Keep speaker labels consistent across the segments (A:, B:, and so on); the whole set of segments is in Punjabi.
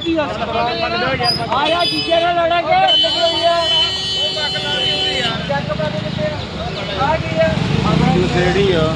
A: ਕੀ ਆ ਯਾਰ ਚੀਜ਼ੇ ਨਾਲ ਲੜਾਂਗੇ
B: ਨਸ਼ੇੜੀ ਆ।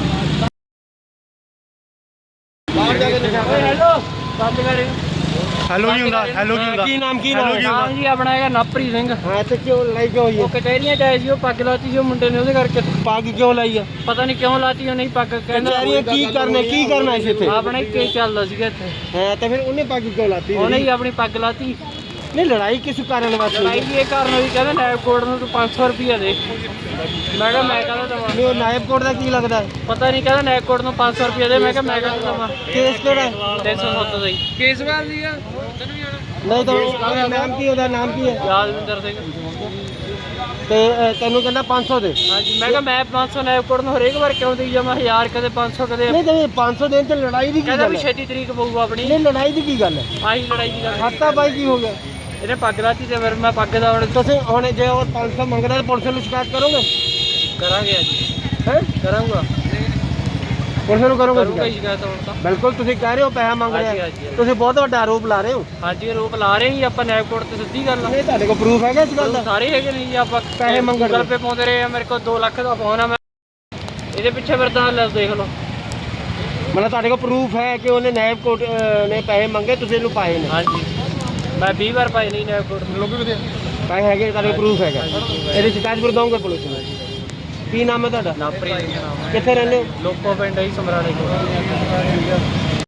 A: ਹੈਲੋ ਬੰਦ ਕਰ
B: ਹੈਲੋ ਕੀ ਹੁੰਦਾ? ਹੈਲੋ ਕੀ ਹੁੰਦਾ?
C: ਕੀ ਨਾਮ
A: ਨਾਮ ਜੀ ਆਪਣਾ ਹੈਗਾ ਨਵਪ੍ਰੀਤ ਸਿੰਘ।
C: ਹਾਂ ਤੇ ਕਿਉਂ ਲੜਾਈ ਕਿਉਂ ਹੋਈ
A: ਉਹ ਕਚਹਿਰੀਆਂ ਚ ਆਏ ਸੀ, ਉਹ ਪੱਗ ਲਾਤੀ ਸੀ ਉਹ ਮੁੰਡੇ ਨੇ, ਉਹਦੇ ਕਰਕੇ
C: ਪੱਗ ਕਿਉਂ ਲਾਈ ਆ?
A: ਪਤਾ ਨਹੀਂ ਕਿਉਂ ਲਾਤੀ ਉਹ ਨਹੀਂ ਪੱਗ ਕਹਿੰਦਾ
C: ਕਚਹਿਰੀਆਂ ਕੀ ਕਰਨਾ ਸੀ ਇੱਥੇ?
A: ਆਪਣਾ ਹੀ ਕੇਸ ਚੱਲਦਾ ਸੀਗਾ ਇੱਥੇ,
C: ਹਾਂ ਤਾਂ ਫਿਰ ਉਹਨੇ ਪੱਗ ਕਿਉਂ ਲਾਤੀ?
A: ਉਹਨੇ ਹੀ ਆਪਣੀ ਪੱਗ ਲਾਤੀ।
C: ਨਹੀਂ ਲੜਾਈ ਕਿਸ ਕਾਰਨ ਵਾਸਤੇ?
A: ਲੜਾਈ ਇਹ ਕਾਰਨ ਹੋਈ, ਕਹਿੰਦਾ ਨਾਇਬ ਕੋਰਟ ਨੂੰ ਤੂੰ 500 ਰੁਪਇਆ ਦੇ। ਮੈਂ ਕਿਹਾ ਮੈਂ ਕਹਿੰਦਾ ਦਵਾਂ,
C: ਨਹੀਂ ਉਹ ਨਾਇਬ ਕੋਰਟ ਦਾ ਕੀ ਲੱਗਦਾ?
A: ਪਤਾ ਨਹੀਂ, ਕਹਿੰਦਾ ਨਾਇਬ ਕੋਰਟ ਨੂੰ 500 ਰੁਪਇਆ ਦੇ। ਮੈਂ ਕਿਹਾ ਮੈਂ ਕਹਿੰਦਾ ਦਵਾਂ।
C: ਕੇਸ ਕਿਹੜਾ?
A: 307 ਦਾ ਹੀ ਕੇਸ ਵਾਲ ਸੀਗਾ।
C: ਨਹੀਂ ਤਾਂ ਉਹਦਾ ਨਾਮ ਕੀ, ਉਹਦਾ ਨਾਮ ਕੀ ਹੈ?
A: ਯਾਦਵਿੰਦਰ ਸਿੰਘ।
C: ਤੇ ਤੈਨੂੰ ਕਹਿੰਦਾ 500 ਦੇ।
A: ਹਾਂਜੀ ਮੈਂ ਕਿਹਾ ਮੈਂ 500 ਨਾਇਬ ਕੋਰਟ ਨੂੰ ਹਰੇਕ ਵਾਰ ਕਿਉਂ ਦੇਈ ਜਾਵਾਂ? 1000 ਕਦੇ 500 ਕਦੇ।
C: ਨਹੀਂ ਤੇ 500 ਦੇਣ ਤੇ ਲੜਾਈ ਦੀ ਕੀ
A: ਕਹਿੰਦਾ
C: ਗੱਲ
A: ਵੀ
C: ਹੈ?
A: ਛੇਤੀ ਤਰੀਕ ਪਊਗਾ ਆਪਣੀ।
C: ਨਹੀਂ ਲੜਾਈ ਦੀ ਕੀ ਗੱਲ ਹੈ?
A: ਆਹੀ ਲੜਾਈ ਦੀ ਗੱਲ।
C: ਹੱਤਾ ਬਾਈ ਕੀ ਹੋ ਗਿਆ?
A: ਇਹਨੇ ਪੱਗ ਲਾਤੀ ਤੇ ਫਿਰ ਮੈਂ ਪੱਗ ਦਾ ਹੁਣ
C: ਤੁਸੀਂ ਹੁਣ ਜੇ ਉਹ 500 ਮੰਗਦਾ ਤਾਂ ਪੁਲਿਸ ਨੂੰ ਸ਼ਿਕਾਇਤ ਕਰੋਗੇ?
A: ਕਰਾਂਗੇ ਅੱਜ।
C: ਹੈ
A: ਕਰਾਂਗਾ
C: ਪੁਲਿਸ ਨੂੰ ਕਰੋਗੇ
A: ਕਰੂੰਗਾ ਹੀ
C: ਸ਼ਿਕਾਇਤ?
A: ਸ਼ਿਕਾਇਤ ਹੁਣ ਤਾਂ।
C: ਬਿਲਕੁਲ ਤੁਸੀਂ ਕਹਿ ਰਹੇ ਹੋ ਪੈਸਾ ਮੰਗ
A: ਹਾਂਜੀ,
C: ਰਿਹਾ,
A: ਹਾਂਜੀ।
C: ਤੁਸੀਂ ਬਹੁਤ ਵੱਡਾ ਆਰੋਪ ਲਾ ਰਹੇ ਹੋ।
A: ਹਾਂਜੀ ਰੋਕ ਲਾ ਰਹੇ ਹੀ ਆਪਾਂ ਨਾਇਬ ਕੋਰਟ ਤੇ, ਸਿੱਧੀ ਗੱਲ ਆ।
C: ਨਹੀਂ ਤੁਹਾਡੇ ਕੋਲ ਪ੍ਰੂਫ ਹੈਗਾ ਇਸ ਗੱਲ ਦਾ?
A: ਸਾਰੇ ਹੈਗੇ ਨਹੀਂ ਜੀ, ਆਪਾਂ
C: ਪੈਸੇ ਮੰਗਣ
A: ਗੂਗਲ ਪੇ ਪਾਉਂਦੇ ਰਹੇ ਆ। ਮੇਰੇ ਕੋਲ 2 ਲੱਖ ਦਾ ਫੋਨ ਆ, ਮੈਂ ਇਹਦੇ ਪਿੱਛੇ ਫਿਰਦਾ। ਲੈ ਦੇਖ ਲਓ,
C: ਮਤਲਬ ਤੁਹਾਡੇ ਕੋਲ ਪ੍ਰੂਫ ਹੈ ਕਿ ਉਹਨੇ ਨਾਇਬ ਕੋਰਟ ਨੇ ਪੈਸੇ ਮੰਗੇ, ਤੁਸੀਂ ਇਹਨੂੰ ਪਾਏ ਨੇ?
A: ਹਾਂਜੀ ਮੈਂ 20 ਵਾਰ ਪਾਈ ਨਹੀਂ ਨਾਇਬ ਕੋਰਟ ਨੂੰ।
C: ਪੈਸੇ ਹੈਗੇ, ਤੁਹਾਡੇ ਕੋਲ ਪ੍ਰੂਫ ਹੈਗਾ? ਇਹਦੀ ਸ਼ਿਕਾਇਤ ਫਿਰ ਦਊਂਗੇ ਪੁਲਿਸ ਨੂੰ? ਕੀ ਨਾਮ ਹੈ ਤੁਹਾਡਾ?
A: ਨਵਪ੍ਰੀਤ ਸਿੰਘ ਨਾਮ ਹੈ।
C: ਕਿੱਥੇ ਰਹਿੰਦੇ ਹੋ?
A: ਲੋਕੋ ਪਿੰਡ ਹੀ ਸਮਰਾਲੇ ਕੋਲ।